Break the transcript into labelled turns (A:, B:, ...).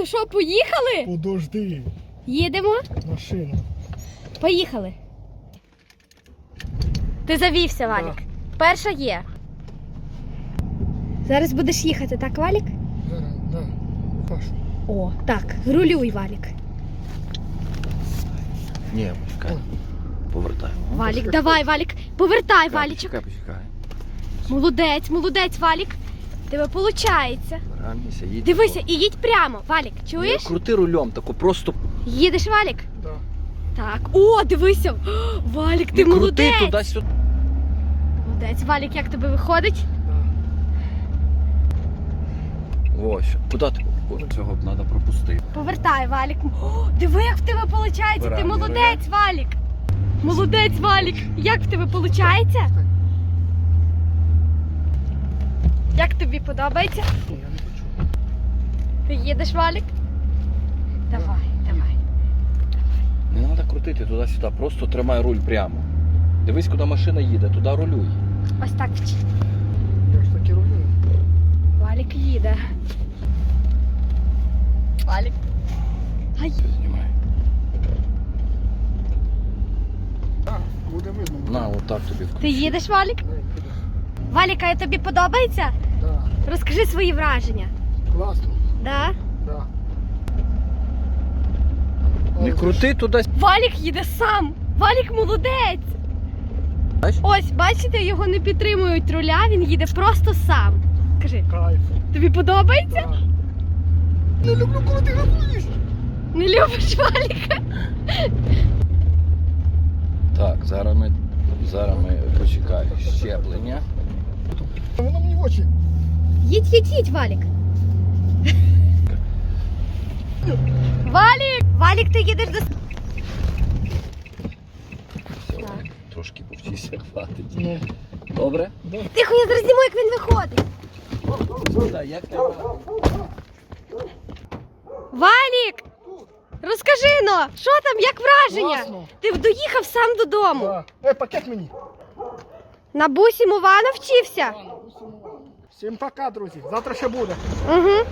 A: що, поїхали?
B: Подожди.
A: Їдемо?
B: Машина.
A: Поїхали. Ти завівся, Валік. Перша є. Зараз будеш їхати, так, Валік?
B: Зараз, да. Пашу.
A: О, так, рулюй, Валік.
C: Ні, почекай. Повертаємо.
A: Валік, давай, Валік. Повертай, Валічок.
C: Почекай.
A: Молодець, молодець, Валік. Тебе виходить.
C: Ранися, їдь.
A: Дивися, і їдь прямо, Валік. Чуєш?
C: Крути рулем, тако просто.
A: Їдеш, Валік?
B: Да.
A: Так. О, дивися. О, Валік, ти
C: Не крути
A: молодець.
C: туди-сюди.
A: Молодець, Валік, як тобі виходить?
C: Ось, куди ти? О, цього б треба пропустити.
A: Повертай, Валік. О, диви, як в тебе виходить. Ти
C: Вирай,
A: молодець, Валік. Молодець, Валік. Як в тебе виходить? Як тобі подобається?
B: Ні, я не хочу.
A: Ти їдеш, Валік? Давай, давай.
C: Не треба крутити туди-сюди, просто тримай руль прямо. Дивись, куди машина їде, туди рулюй.
A: Ось так вчи.
B: Я ж таки роблю.
A: Валік їде. Валік. Ай.
C: Все, знімай.
B: Так, буде видно.
C: На, отак тобі включи.
A: Ти їдеш, Валік?
B: Не, піде.
A: Валік, а тобі подобається?
B: Да.
A: Розкажи свої враження.
B: Класно.
A: Да?
B: Да.
C: Не крути туди.
A: Валік їде сам. Валік молодець.
C: Бачиш?
A: Ось, бачите, його не підтримують руля, він їде просто сам. Кажи,
B: Кайф.
A: тобі подобається?
B: Да. Не люблю, коли ти газуєш.
A: Не любиш Валіка?
C: Так, зараз ми почекай. Щеплення.
B: Воно мені в очі.
A: Їдь, Валік. Валік! Валік, ти їдеш до...
C: Все,
A: Так.
C: трошки повчися, хватить.
B: Ну.
C: Добре?
A: Тихо, я зараз зніму, як він виходить.
C: Так, як тебе?
A: Валік! Розкажи, но, що там, як враження?
B: Класно.
A: Ти доїхав сам додому.
B: Да. Пакет мені.
A: На бусі Мова навчився.
B: Всім пока, друзі. Завтра ще буде.
A: Угу.